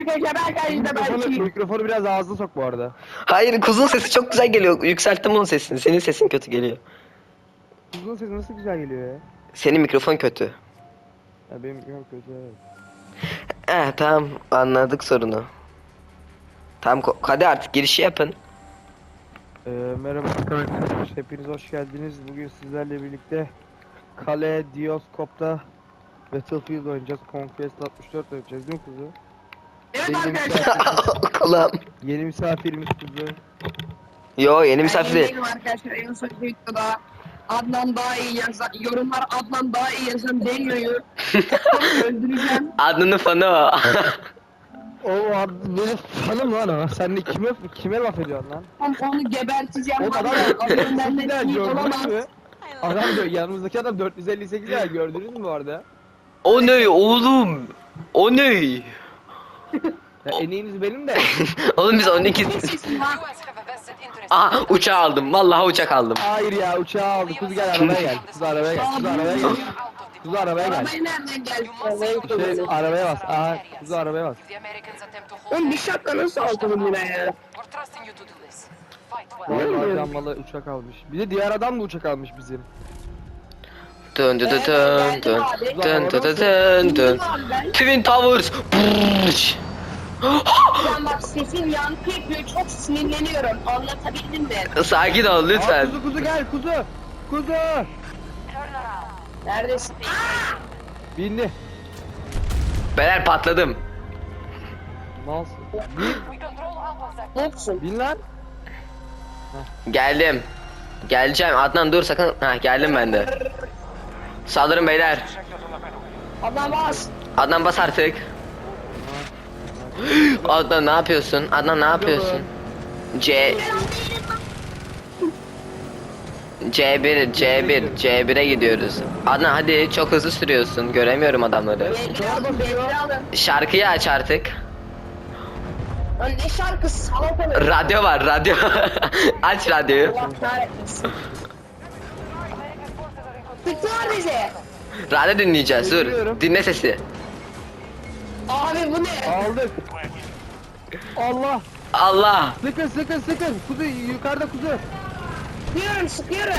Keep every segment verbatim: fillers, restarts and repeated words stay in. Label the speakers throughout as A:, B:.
A: Mikrofonu, mikrofonu biraz ağzına sok bu arada.
B: Hayır, kuzun sesi çok güzel geliyor. Yükselttim onun sesini. Senin sesin kötü geliyor.
A: Kuzun sesi nasıl güzel geliyor ya.
B: Senin mikrofon kötü.
A: Ya benim mikrofon kötü evet.
B: Eh tamam, anladık sorunu. Tamam, ko- hadi artık girişi yapın.
A: Ee, merhaba arkadaşlar, hepiniz hoş geldiniz. Bugün sizlerle birlikte Kale Dioskop'ta Battlefield oynayacağız. Conquest altmış dört oynayacağız değil mi kuzu?
C: Evet
A: Yeni
C: arkadaşlar.
A: misafirimiz,
B: Kulağım.
A: yeni misafirimiz kuzu.
B: Yo, yeni misafir değil.
C: Benim arkadaşlar en son videoda Adnan daha iyi yazan, yorumlar Adnan daha iyi yazan deniyor. Öldüreceğim.
B: Adnan'ın fanı o.
A: O abi benim fanım lan o. Sen de kime kime laf ediyorsun lan?
C: Onu, onu geberteceğim.
A: O adam
C: Adnan benden
A: adam
C: iyi
A: gördünüz
C: olamaz.
A: mü? Adam diyor yanımızdaki adam dört yüz elli sekiz ya gördünüz mü bu arada?
B: O ne oğlum? O ne?
A: Ya en iyiniz benim de.
B: Oğlum biz on iki...
C: Ne sesin lan?
B: Aha, uçağı aldım. Vallahi uçak aldım.
A: Hayır ya uçağı aldı. Kuz gel arabaya gel. Kuz arabaya gel. Kuz arabaya gel. Kuz arabaya gel.
C: Arabayı nereden geldi?
A: Şey, arabaya bas. Aha kuz arabaya bas.
C: Oğlum bir şapka nasıl aldın buna ya?
A: Diğer adam malı uçak almış. Bir de diğer adam da uçak almış bizim.
B: Dön dön dön dön dön dön dön dön dön. Twin Towers. Brrrş.
C: Ben bak sesim yankı yapıyor. Çok sinirleniyorum. Anlatabildim mi?
B: Sakin ol
A: Aa,
B: lütfen.
A: kuzu kuzu gel kuzu. Kuzu.
C: Neredesin?
A: Bindi.
B: Beyler patladım.
A: Malsın. Bin.
C: Noksun.
A: Bin lan.
B: Geldim. Geleceğim. Adnan dur sakın. Ha, geldim ben de. Saldırın beyler.
C: Adam bas.
B: Adnan bas artık. Adnan ne yapıyorsun? Adnan ne yapıyorsun? C C bir C bir C bir'e gidiyoruz. Adnan hadi, çok hızlı sürüyorsun. Göremiyorum adamları.
C: Bekle alın, bekle alın.
B: Şarkıyı aç artık.
C: Lan ne şarkısı? Salak olur.
B: Radyo var, radyo. Aç radyoyu.
C: Allah kahretmesin. Tutuyor bizi.
B: Radyo dinleyeceğiz. Dur.
A: Bekliyorum.
B: Dinle sesi.
C: Abi bu ne?
A: Aldık. Allah.
B: Allah.
A: Sıkın sıkın sıkın. Kuzu yukarıda kuzu.
C: Sıkıyorum sıkıyorum.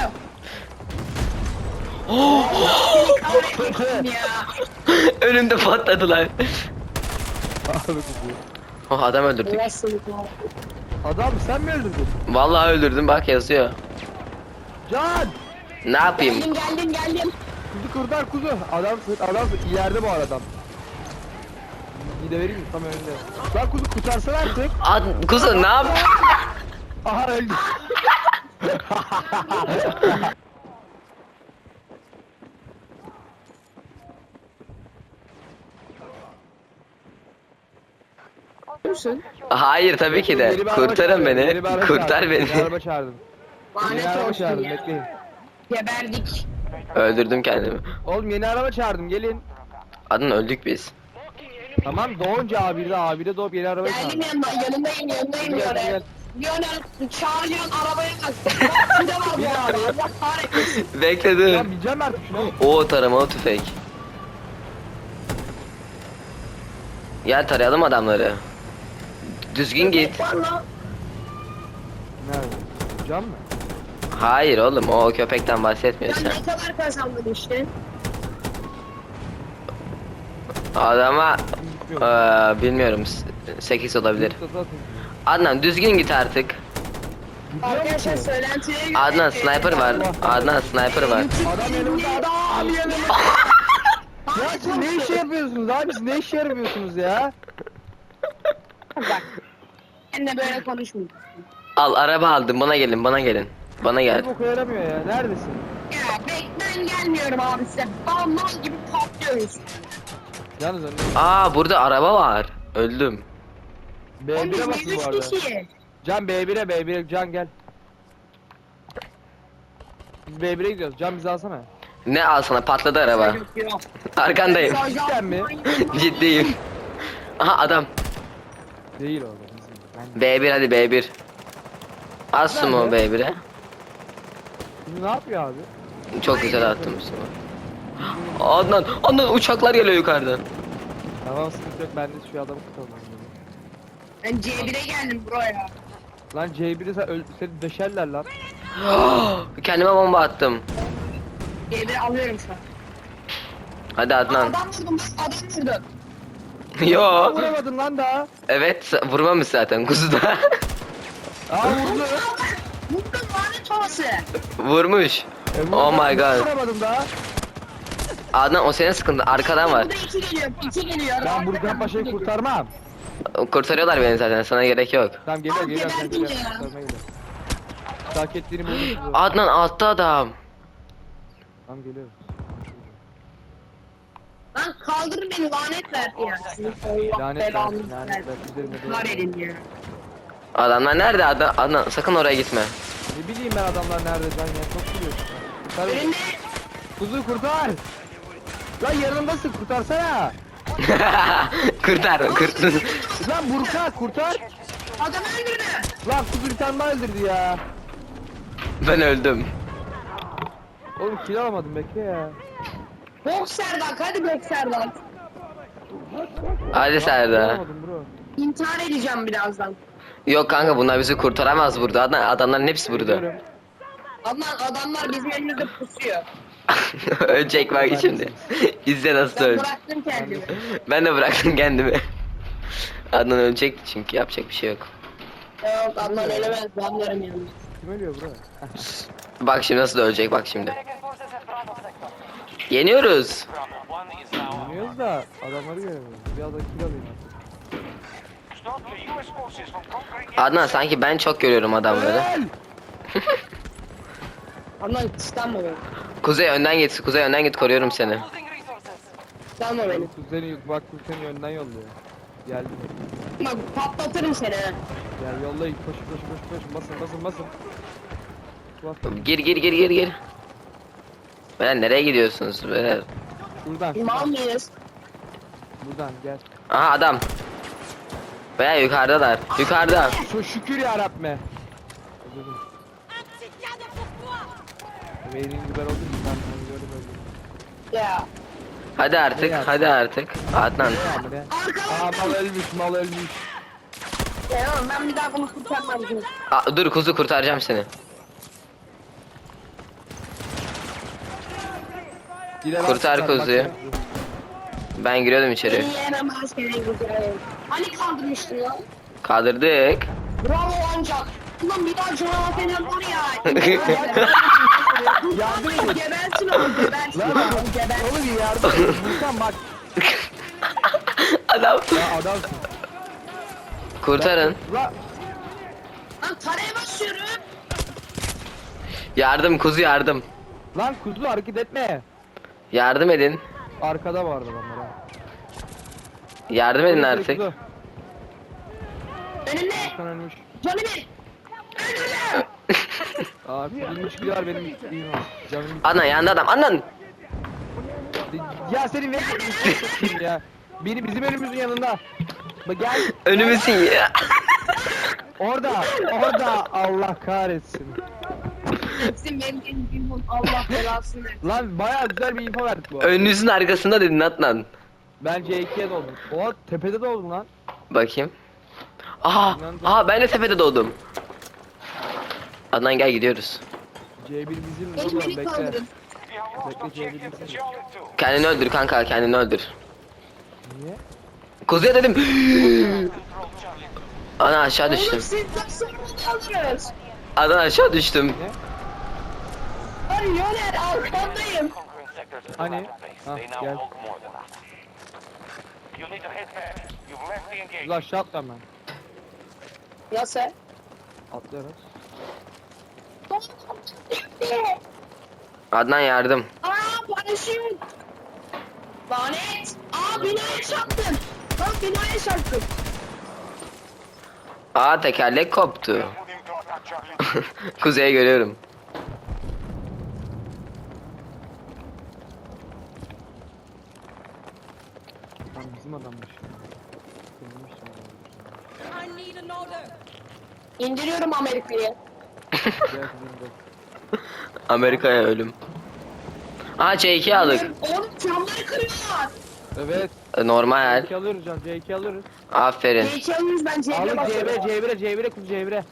B: Oh,
C: Seni kahretmesin ya.
B: önümde patladılar.
A: Abi kuzu.
B: Oh, adam öldürdük.
C: Nasıl
A: Adam sen mi öldürdün?
B: Vallahi öldürdüm, bak yazıyor.
A: Can.
B: Ne yapayım?
C: Geldim geldim geldim.
A: Kuzu kurtar kuzu. Adam adam ileride bu adam. Bir de vereyim mi? Tam önünde. Lan kuzu kurtarsana artık.
B: Ad kuzu ne yap?
A: Aha öldü.
C: Musun?
B: Hayır tabii ki de.
A: Yeni bir araba
B: Kurtarın
A: çağırdım,
B: beni.
A: yeni bir araba
B: Kurtar
A: çağırdım,
B: beni.
A: Yeni araba çağırdım. Yeni
C: Lanet
A: araba
C: olsun
A: çağırdım
C: ya.
A: bekleyin.
C: Geberdik.
B: Öldürdüm kendimi.
A: Oğlum yeni araba çağırdım gelin.
B: Adın öldük biz.
A: Tamam doğunca abide abide doğup yeni araba
C: Geldim
A: çağırdım.
C: yanına yanındayım yanındayım
A: Gel, gel,
C: Lionel. Lionel çağırıyorsun arabaya kalk. Bir de var bu araba. Allah kahretmesin.
B: Bekle dur.
A: Lan bineceğim artık şuna.
B: O taramalı tüfek. Gel tarayalım adamları. Düzgün git.
C: Var lan.
A: Nerede? Can mı?
B: Hayır oğlum, o köpekten
C: Ya
B: bahsetmiyorsun.
C: ne kadar kazandın işte?
B: Adama
A: Bilmiyorum.
B: eee, bilmiyorum, sekiz olabilir.
A: Yurtta zaten.
B: Adnan düzgün git artık.
A: Gidiyor
C: Arkadaşlar
A: musun?
C: söylentiye göre...
B: Adnan sniper var. Adnan sniper var.
A: Adam yanımda adam yanımda. Ya siz ne iş yapıyorsunuz abi siz ne iş yapıyorsunuz ya?
C: Bak. Seninle böyle konuşmayayım.
B: Al, araba aldım, bana gelin, bana gelin. Bana gel.
A: Bir boku yaramıyor ya neredesin?
C: Ya bek ben gelmiyorum abi size. Balmal gibi patlıyoruz.
A: Yalnız önde.
B: Aa, burada araba var. Öldüm.
A: B
C: Oğlum
A: bir'e
C: biz
A: basın bu
C: üç
A: arada.
C: kişiyiz.
A: Can B bir'e B bir'e Can gel. Biz B bir'e gidiyoruz. Can bizi alsana.
B: Ne al sana, patladı araba.
C: Yok, yok.
B: Arkandayım.
A: Cidden mi?
B: Ciddiyim. Aha adam.
A: Değil orada bizim. Ben...
B: B bir hadi B bir. Az sumo B bir'e.
A: Şimdi ne yapıyor abi?
B: Çok güzel attım sumo. Adnan, Adnan uçaklar geliyor yukarıdan.
A: Tamam sıkıntı yok ben de şu adamı tutalım.
C: Ben C bire geldim buraya.
A: Lan C bir'i sen öl seni döşerler lan.
B: Kendime bomba attım.
C: C biri alıyorum şu an.
B: Hadi
C: Aa,
B: Adnan.
C: adam vurdum bak adam vurdum.
B: Yo.
A: Vuramadın lan daha.
B: Evet vurmamış zaten kuzuda.
A: Aa vurdu.
C: Vurdum lanet olası.
B: Vurmuş.
A: E, vurdu.
B: Oh my god.
A: Vuramadım daha.
B: Adnan o senin sıkıntın. Arkadan var.
C: Burada iki geliyor. iki geliyor.
A: Ben Burkan Paşa'yı kurtarmam.
B: Kurtarıyorlar beni zaten. Sana gerek yok.
A: Tamam geliyor
C: Abi,
A: geliyor sen
C: geberdim
A: geliyor.
C: ya.
A: Kurtarmaya geliyor. Hak ettiğini buldum.
B: Adnan altta adam.
A: Tamam geliyorum.
C: Lan kaldır beni lanet verdi ya. Sizin Allah
A: Lanet
C: belanı
A: versin, lanet
C: versin.
A: versin. Üzerime doğru.
C: Var edin ya.
B: Adamlar nerede Adnan? Adnan sakın oraya gitme.
A: Ne bileyim ben adamlar nerede can ya çok biliyorsun. Kurtar beni.
C: Önünde
A: Kuzu kurtar. Lan yanımdasın kurtarsana.
B: Kurtar kurt.
A: Lan Burkan kurtar.
C: adam öldürdü.
A: Lan kuzu bir tane daha öldürdü ya.
B: Ben öldüm.
A: Oğlum kill alamadım bekle ya.
C: Boxer'dan hadi Boxer'dan.
B: Hadi Serdar.
A: Alamadım bro.
C: İntihar edeceğim birazdan.
B: Yok kanka bunlar bizi kurtaramaz burada. Adnan, adamların hepsi burada.
A: Geliyorum.
C: Adnan adamlar bizim elimizde pusuyor.
B: Ölecek bak şimdi. İzle nasıl
C: Ben
B: öldü.
C: bıraktım kendimi.
B: Ben de bıraktım kendimi. Adnan ölecekti çünkü yapacak bir şey yok.
C: Yok Adnan ölemez. Ben varım yanında.
A: Kim ölüyor bro?
B: Bak şimdi nasıl ölecek bak şimdi. Yeniyoruz.
A: Bilmiyoruz da adamları göremiyoruz. Biraz da kill alayım artık.
B: Adnan sanki ben çok görüyorum adamları.
A: Öl!
C: Adnan kıskanma beni.
B: Kuzey önden git. Kuzey önden git koruyorum seni.
C: Kıskanma beni.
A: Kuzeni bak Kuzeni önden yolluyor. Geldi.
C: Bak patlatırım seni ha.
A: Gel yollayın koş koş koş koş basın basın basın. Bas.
B: Gir gir gir gir gir. Böyle nereye gidiyorsunuz böyle?
A: Şuradan
C: Mal
A: şuradan.
C: mıyız?
A: Buradan gel.
B: Aha adam. Veya yukarıdalar. Yukarıda.
A: Şu şükür ya Rabbe. Özledim. Benim biber oldu mu? Ben onu gördüm öldüm.
C: Ya.
B: Hadi artık. Hadi artık. Adnan.
A: Ne ya bu ne? Aa
C: Arkadan.
A: mal ölmüş mal ölmüş.
C: Ya oğlum ben bir daha bunu kurtarmam.
B: Aa, dur kuzu kurtaracağım seni.
A: Gider
B: Kurtar
A: atsınlar, bak
B: kuzuyu.
A: ya.
B: Ben giriyordum içeri.
C: Beni yenemez seni güzel. Hani kaldırmıştın ya?
B: Kaldırdık.
C: Bravo ancak. Ulan bir daha canavar falan var ya.
A: Yardım
C: Yardım
A: et.
C: gebersin oğlum gebersin
A: Lan
C: oğlum gebersin.
A: oğlum bir yardım et. Burkan bak.
B: Adam.
A: Ya adamsın.
B: Kurtarın.
A: Lan
C: Lan taraya basıyorum.
B: Yardım kuzu yardım.
A: lan kuzu hareket etme.
B: Yardım edin.
A: Arkada vardı adamlar ha.
B: Yardım edin
A: Kuzu,
B: artık.
A: kuzu.
C: Önümde.
A: Burkan ölmüş.
C: Canı bir. Öldürdüm.
A: Aa kuzunun üç kilo var benim isteğim var. Canım
B: Adnan yanında adam. Adnan.
A: ya senin ne ya. Biri bizim önümüzün yanında. Bak gel.
B: Önümüzün ya.
A: Orada. Orada. Allah kahretsin.
C: Hepsi benim elim Allah belasını versin.
A: Lan bayağı güzel bir info verdik bu.
B: Önünüzün arkasında dedin Adnan.
A: Ben C ikiye doldum. Oha tepede doldum lan.
B: Bakayım. Aha, aha ben de tepede doğdum. Adnan gel gidiyoruz.
A: C bir bizim
C: Beni
A: oğlum
C: beni
A: bekle.
C: kaldırın.
A: Bekle C bir bizim.
B: Kendini öldür kanka, kendini öldür.
A: Niye?
B: Kuzuya dedim. Ana aşağı
C: Oğlum
B: düştüm.
C: siz nasıl bunu alırız?
B: Adnan aşağı düştüm.
A: Ne?
C: Hadi Yoner arkandayım.
A: Hani? Ha gel. Ulan aşağı atla hemen.
C: Nasıl?
A: Atlıyoruz.
B: Adnan yardım.
C: Aa paraşüt. Lanet. Aa binaya çarptım. Bak binaya çarptım.
B: Aa tekerlek koptu. Kuzeye görüyorum.
A: Lan bizim adammış. Sevinmiş adam.
D: I need an order.
C: İndiriyorum Amerika'yı.
A: Gel kızım gel.
B: Amerika'ya ölüm. Aa C iki aldık.
C: Oğlum camları kırıyorlar.
A: Evet.
B: Normal.
A: C iki alıyoruz can. C iki alıyoruz.
B: Aferin.
C: C iki alıyoruz ben C bire
A: Aldık C
C: basıyorum.
A: bire C bire C bire kız C bire.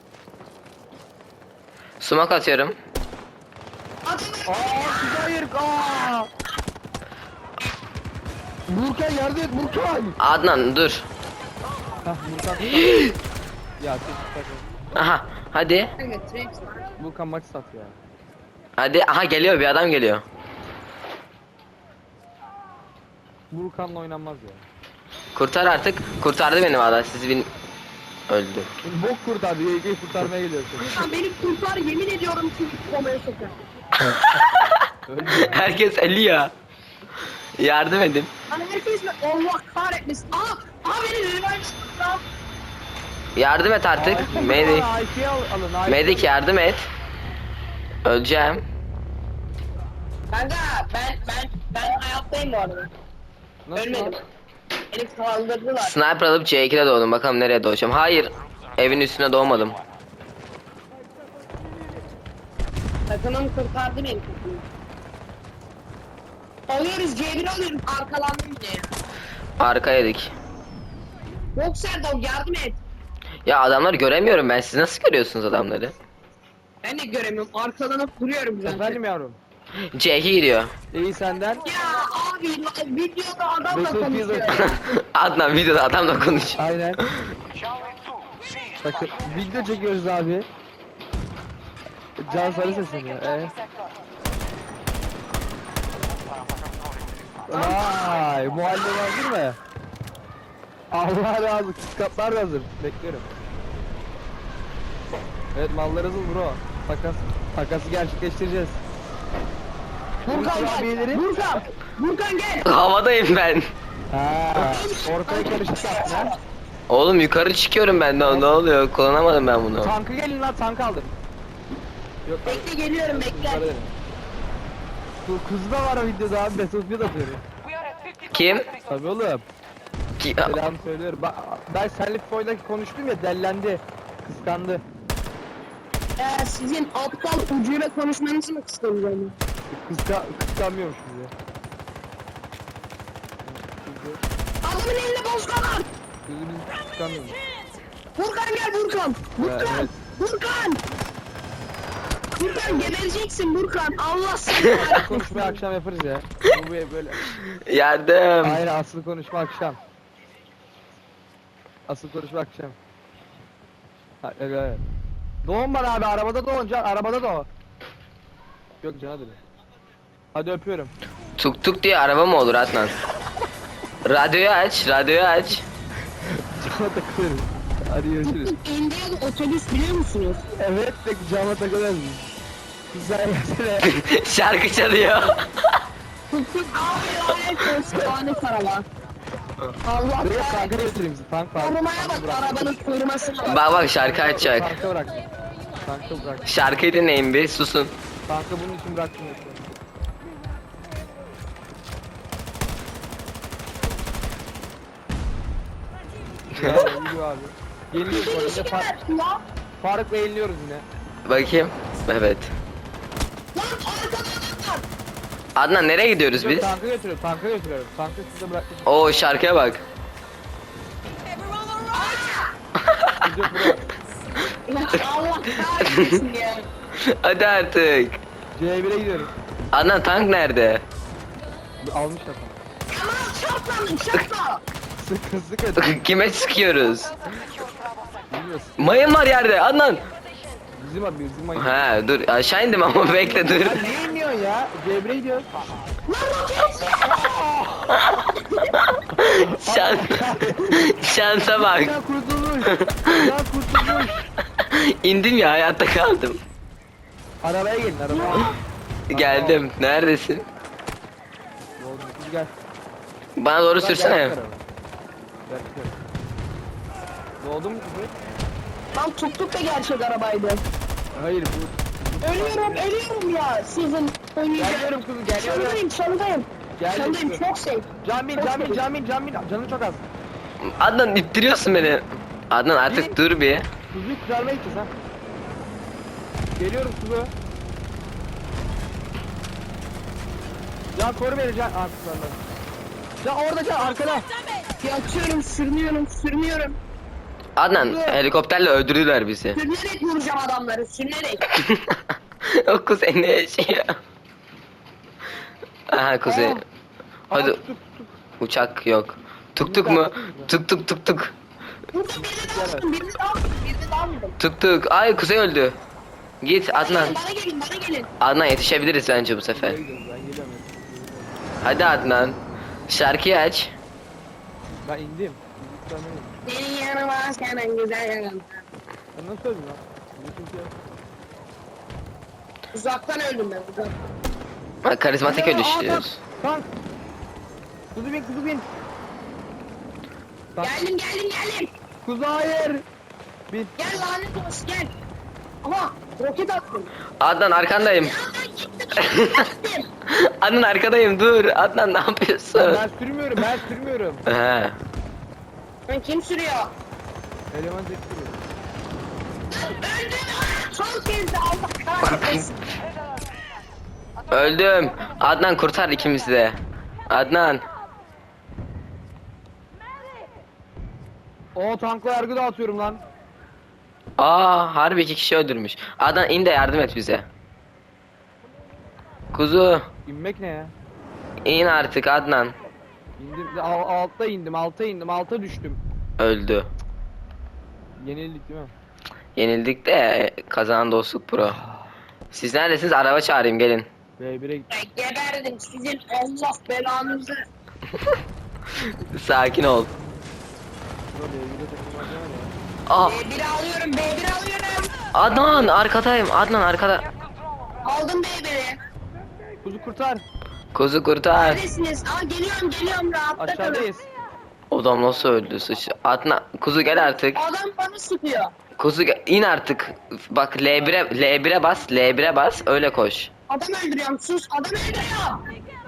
B: Sumak atıyorum.
C: Atın.
A: Aa siz hayır. Aa. Burkan yardım et Burkan.
B: Adnan dur.
A: Hah Burkan. Ya siz takın.
B: Aha hadi.
C: Evet, Rex var.
A: Burkan maç sat ya.
B: Hadi. Aha geliyor, bir adam geliyor.
A: Burkan'la oynanmaz ya.
B: Kurtar artık. Kurtardı beni valla. Siz bin... Öldü.
A: Bok kurtardı. Y G'yi kurtarmaya geliyorsun.
C: Sen beni kurtar yemin ediyorum ki komaya sokar.
A: Öldü.
B: Herkes ölüyor. Yardım edin.
C: Hani herkes mi? Allah kahretmesin. Aa! Aa beni revive çıktı.
B: Yardım et artık. Medik.
A: I P al alın. I P
B: Medik yardım et. Öleceğim.
C: Kanka ben ben ben hayattayım bu arada.
A: Nasıl
C: Ölmedim.
A: lan?
C: Beni kaldırdılar.
B: Sniper alıp C iki'de doğdum. Bakalım nereye doğacağım. Hayır. Evin üstüne doğmadım.
C: Takımım kurtardı beni. Alıyoruz C bir alıyoruz. Arkalandım yine ya.
B: Arka yedik.
C: Boxer dog yardım et.
B: Ya adamları göremiyorum ben. Siz nasıl görüyorsunuz adamları?
C: Ben de göremiyorum. Arkalanıp duruyorum zaten.
A: Efendim yavrum.
B: C iki gidiyor.
A: İyi senden.
C: Ya abi videoda adamla
A: Battlefield
C: konuşuyor.
B: Adnan videoda adamla konuş.
A: Aynen. Bakın video çekiyoruz abi. Can sarı sesleniyor. Ee? Vay muhalle hazır mı? Allah razı olsun. Kaplar da hazır. Bekliyorum. Evet mallar hazır bro. Takas. Takası gerçekleştireceğiz.
C: Burkan gel.
A: Kurabiyeleri-
C: Burkan. Burkan gel.
B: Havadayım ben.
A: Ha, ortaya karışık yaptın ha.
B: Oğlum yukarı çıkıyorum ben. Ne, ne oluyor? Kullanamadım ben bunu.
A: Tankı gelin lan tank aldım. Yok
C: Bekle geliyorum bekle.
A: yukarı dedim. Bu kız da var o videoda abi Battlefield atıyor.
B: Kim?
A: Tabii oğlum.
B: Ki-
A: Selam söylüyorum. Ben, ben seninle FIFA'yla konuştum ya dellendi. Kıskandı.
C: Ee, sizin aptal ucuyla konuşmanızı mı kıskanacağım?
A: Kıska, kıskanmıyormuş bizi.
C: Adamın elinde bozkan var.
A: Bizi bizi kıskanmıyormuş.
C: Burkan gel Burkan. Burkan.
A: Evet.
C: Burkan. Burkan gebereceksin Burkan. Allah seni.
A: Konuşmayı akşam yaparız ya. Bu bu böyle.
B: Yardım.
A: Hayır asıl konuşma akşam. Asıl konuşma akşam. Ha, evet. Doğun bana abi arabada doğun can arabada doğ. Yok can hadi. Hadi öpüyorum.
B: Tuk tuk diye araba mı olur Adnan? Radyoyu aç, radyoyu aç.
A: Cama takılırız. Hadi görüşürüz.
C: Indiana otobüs biliyor musunuz?
A: Evet de cama takılırız. Güzel gelsene.
B: Şarkı çalıyor.
C: Tuk tuk abi lanet olsun. Lanet araba. Allah
A: Buraya tanka
C: kahretsin.
A: götüreyim sizi. Tank var.
C: Korumaya bak arabanın korumasına bak.
B: Bak bak şarkı açacak.
A: Tanka bırak. Tanka bırak.
B: Şarkıyı dinleyin bir susun.
A: Tanka bunun için bıraktım yoksa. Ya yürü abi. Yeniliyoruz bu arada. Far
C: Ya.
A: Faruk'la yeniliyoruz yine.
B: Bakayım. Evet.
C: Lan arkada adam var.
B: Adnan nereye gidiyoruz
A: Yok,
B: biz?
A: tanka götürüyorum. Tanka götürüyorum. Tanka size bıraktım.
B: Oo şarkıya bak.
A: Biz yok buraya.
C: Ya Allah kahretsin ya.
B: Hadi artık.
A: C bire gidiyoruz.
B: Adnan tank nerede?
A: Almışlar tank.
C: Yaman çarplandın çarpla.
A: Sıkı sıkı.
B: Kime sıkıyoruz?
A: Bilmiyoruz.
B: Mayın var yerde Adnan.
A: Bizim abi bizim ayı.
B: Ha dur aşağı indim ama bekle dur.
A: Ya ne iniyorsun ya? C bire gidiyoruz.
B: Şans, şansa bak.
A: Ya kurtulmuş. Ya kurtulmuş.
B: İndim ya hayatta kaldım.
A: Arabaya gelin arabaya.
B: Geldim. Neredesin?
A: Oğlum biz gel.
B: Bana doğru
A: Gel,
B: sürsene.
A: gel, gel. Gel, gel. Doğdun mu kızı?
C: Lan tuk tuk da gerçek arabaydı.
A: Hayır bu.
C: Ölüyorum ölüyorum ya. Sizin oynayacağım.
A: Geliyorum kızım geliyorum.
C: Çalındayım çalındayım.
A: Geldim
C: Çalındayım
A: kızım.
C: çok safe.
A: Camin camin camin camin. Canın çok az.
B: Adnan ittiriyorsun beni. Adnan artık dur bir.
A: Kuzuyu kurtarmaya gideceğiz ha. Geliyorum kuzu. Can koru beni can. Aa kurtarmadım. Ya orada can arkada.
C: Yatıyorum, sürünüyorum, sürünüyorum.
B: Adnan helikopterle öldürdüler bizi.
C: Sürünerek vuracağım adamları, sürünerek.
B: O kuzey ne yaşıyor? Aha kuzey.
A: Aa.
B: Hadi
A: Aa, tuk tuk tuk.
B: uçak yok. Tuk tuk mu? Tuk tuk tuk tuk.
C: Burada birini daha vurdum, birini daha vurdum, birini daha vurdum.
B: Tuk tuk. Ay kuzey öldü. Git Adnan.
C: Bana gelin, bana gelin.
B: Adnan yetişebiliriz bence bu sefer.
A: Ben gidiyorum, ben geliyorum.
B: Hadi Adnan. Şarkıyı aç.
A: Ben indim.
C: Senin yanıma senin güzel yanım.
A: Sen nasıl öldün lan? Bizimki ya.
C: Uzaktan öldüm ben, uzaktan.
B: Bak karizmatik
A: Aa, aa,
B: ölüşüyoruz.
A: Tank. Kuzu bin kuzu bin. Tank.
C: Geldim, geldim, geldim.
A: Kuzu hayır. Bin.
C: Gel lanet olsun, gel. Aha, roket attım.
B: Adnan arkandayım.
C: Ya ben gittim, gittim.
B: Adnan arkadayım dur. Adnan ne yapıyorsun?
A: Ben sürmüyorum ben sürmüyorum.
B: He.
C: Lan kim sürüyor?
A: Eleman tek sürüyor.
C: Öldüm. Son kez de Allah kahretsin.
B: Öldüm. Adnan kurtar ikimizi de. Adnan.
A: O tankla yargı dağıtıyorum lan.
B: Aa harbi iki kişi öldürmüş. Adnan in de yardım et bize. Kuzu.
A: İnmek ne ya?
B: İn artık Adnan.
A: İndim, al, altta indim, alta indim, alta düştüm.
B: Öldü.
A: Yenildik değil mi?
B: Yenildik de kazanan dostluk pro. Siz neredesiniz? Araba çağırayım gelin.
A: B bire gittim.
C: Ben geberdim sizin Allah belanızı.
B: Sakin ol.
A: B bire takılmak ne var ya?
B: Ah
C: B bir alıyorum, B bir alıyorum.
B: Adnan arkadayım. Adnan arkada.
C: Aldım B biri.
A: Kuzu kurtar.
B: Kuzu kurtar.
C: Neredesiniz? Aa geliyorum, geliyorum rahatta kalın.
A: Aşağıdayız.
B: Odam nasıl öldü sıç. Adnan kuzu gel artık.
C: Adam bana sıkıyor.
B: Kuzu gel- in artık. Bak L bire L bire bas. L bire bas. Öyle koş.
C: Adam öldürüyorum, sus. Adam öldürüyorum.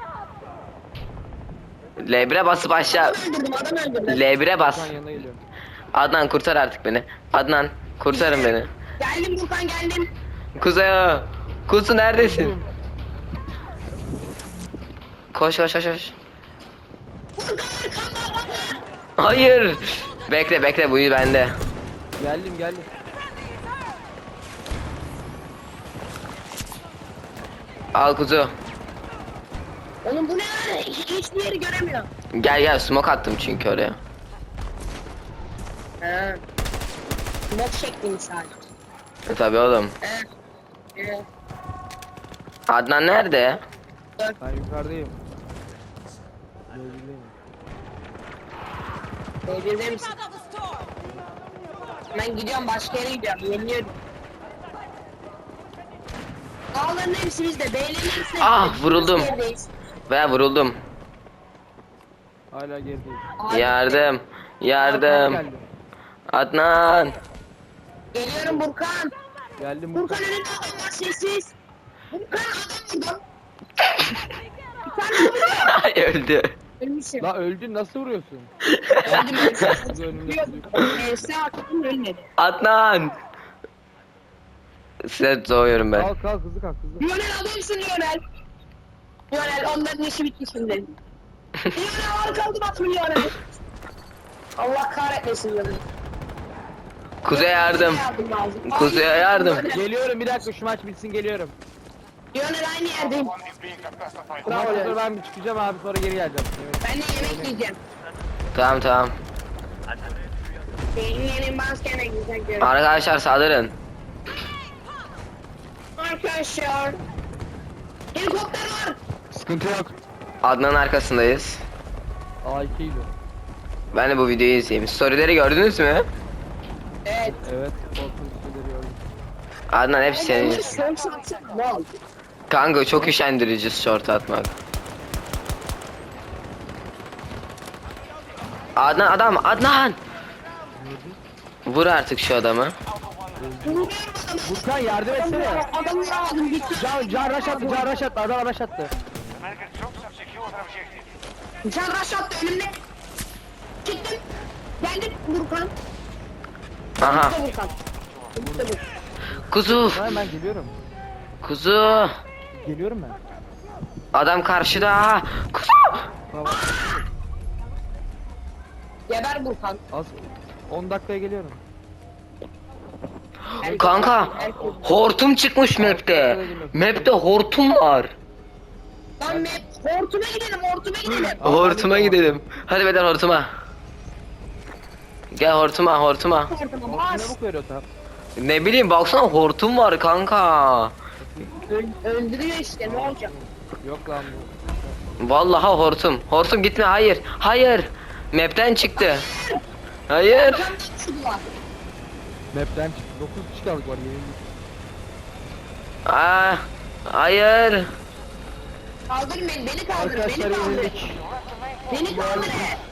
B: L bire basıp aşağı.
C: Adam öldürdüm, adam öldürdüm.
B: L bire bas.
A: Sen yanına geliyorum.
B: Adnan kurtar artık beni. Adnan kurtarın beni.
C: Geldim Burkan, geldim.
B: Kuzu. Kuzu neredesin? Koş koş koş koş.
C: Burkan arkanda bana.
B: Hayır. Bekle bekle bu iyi bende.
A: Geldim geldim.
B: Al kuzu.
C: Oğlum bu ne lan? Hiç, hiçbir yeri göremiyorum.
B: Gel gel smoke attım çünkü oraya.
C: He. Bok şeklini sadece.
B: E, tabii oğlum.
C: He. He.
B: Adnan nerede?
A: Ben yukarıdayım. B birdeyim.
C: B birde misin? Ben gidiyorum, başka yere gidiyorum. Yeniliyorum. Dağların hepsi bizde. B'lerin hepsi de
B: Ah,
C: bizde.
B: vuruldum.
C: Biz yerdeyiz.
B: Veya vuruldum.
A: Hala gerideyim.
C: Abi,
B: Yardım.
A: Tank
B: Yardım.
A: geldi.
B: Adnan.
C: Geliyorum Burkan.
A: Geldim
C: Burkan
A: Burkan.
C: önünde adam var, sessiz. Burkan adam vurdum. Bir tane vurdum.
B: Ay öldü.
C: Ölmüşüm.
A: La öldün nasıl vuruyorsun?
C: Öldüm
A: Kuzu önümde
C: ölmüşüm.
A: kuzu.
C: Evse attım ölmedi.
B: Adnan. Size doğuyorum ben.
A: Kalk kalk hızlı kalk hızlı.
C: Lionel adamsın Lionel. Lionel onların işi bitti şimdi. Lionel arkaldım adamı Lionel. Allah kahretmesin Lionel.
B: Kuzey yardım.
C: lazım.
B: Kuzey'e
C: Ay,
B: yardım.
C: Lionel.
A: Geliyorum bir dakika şu maç bitsin geliyorum.
C: Lionel aynı yerdeyim.
A: Bu maç sonra ben bir çıkacağım abi sonra geri geleceğim. Evet.
C: Ben de yemek yiyeceğim.
B: Tamam tamam.
C: Senin yerin baskene güzel görünüyor.
B: Arkadaşlar saldırın.
C: Arkadaşlar. Helikopter var.
A: Sıkıntı yok.
B: Adnan'ın arkasındayız.
A: A iki ile.
B: Ben de bu videoyu izleyeyim. Storyleri gördünüz mü?
C: Evet.
A: Evet. Korkunç şeyleri gördüm.
B: Adnan hepsi senin.
C: Son şansım. Wow.
B: Kanka çok üşendirici short atmak. Adnan adam Adnan. Vur artık şu adamı.
C: Vuruyorum adamı.
A: Burkan yardım etsene.
C: Adamı vuramadım. Gitti.
A: Can, can rush attı, can rush attı, adam rush attı.
D: American troops have secured our objective.
C: Can rush attı önümde. Çıktım. Geldim Burkan.
B: Aha.
C: Burada Burkan. Burada Burkan.
B: Kuzu.
A: Hayır ben geliyorum.
B: Kuzu.
A: Geliyorum ben.
B: Adam karşıda. Kuzu.
A: Tamam.
C: Geber Burkan.
A: Az on dakikaya geliyorum.
C: Erkek-
B: Kanka
C: erkek.
B: hortum çıkmış map'te. Map'te hortum var.
C: Lan map. Hortuma gidelim hortuma gidelim.
B: Hortuma gidelim. Hadi beden hortuma. Gel hortuma hortuma.
C: Hortuma
A: Ne
C: bas.
A: bu veriyor tam?
B: Ne bileyim baksana hortum var kanka.
C: Öl- öldürüyor işte ne olacak?
A: Yok lan bu.
B: Vallahi hortum. Hortum gitme hayır. Hayır. Map'ten çıktı. Hayır.
C: Arkamdan çıktılar.
A: Map'ten çıktı. dokuz kişi kaldık var yenildik.
B: Aa, hayır.
C: Kaldırın beni, beni kaldırın,
A: Arkadaşlar
C: beni kaldırın.
A: yenildik.
C: Beni kaldırın.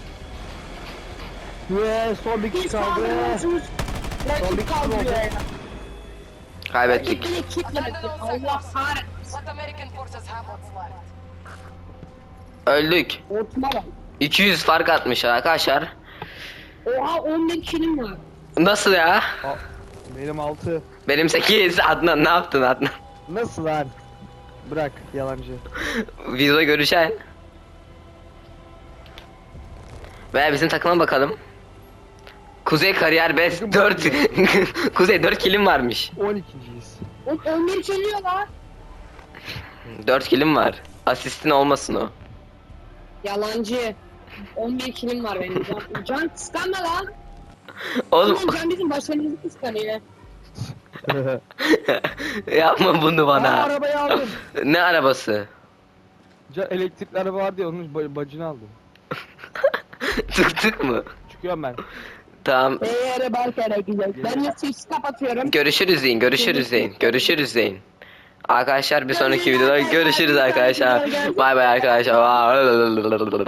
A: Ve son bir kişi
C: Biz
A: kaldı.
C: kaldırıyorsunuz.
A: Son bir
C: Rakip
A: kişi
C: kaldırıyor
A: oldu.
C: ya. Rakip
B: Kaybettik.
C: beni kitlemedi. Allah kahretsin.
E: Let American forces have what's left.
B: Öldük.
C: Hortuma bak.
B: iki yüz fark atmış arkadaşlar.
C: Oha on bin kilim var.
B: Nasıl ya?
A: Aa, benim altı.
B: Benim sekiz. Adnan ne yaptın Adnan?
A: Nasıl lan? Bırak yalancı.
B: Videoda görüşen. Veya bizim takıma bakalım. Kuzey kariyer best dört. Kuzey dört kilim varmış.
A: on ikinciyiz.
C: O- on bir geliyor lan.
B: dört kilim var. Asistin olmasın o.
C: Yalancı. on bir kilim var benim. Can, can kıskanma lan.
B: Oğlum
C: Oğlum Can bizim başarımızı kıskanıyor.
B: yapma bunu
A: Aa,
B: bana.
A: arabayı aldım.
B: Ne arabası?
A: Ca elektrikli araba vardı ya onun ba- bacını aldım.
B: Tık tık mı?
A: Çıkıyorum ben.
B: Tamam.
C: Eğer belki güzel. Ben de sesi kapatıyorum.
B: Görüşürüz deyin. Görüşürüz deyin. Görüşürüz deyin. Arkadaşlar bir sonraki videoda görüşürüz arkadaşlar. Bay bay arkadaşlar.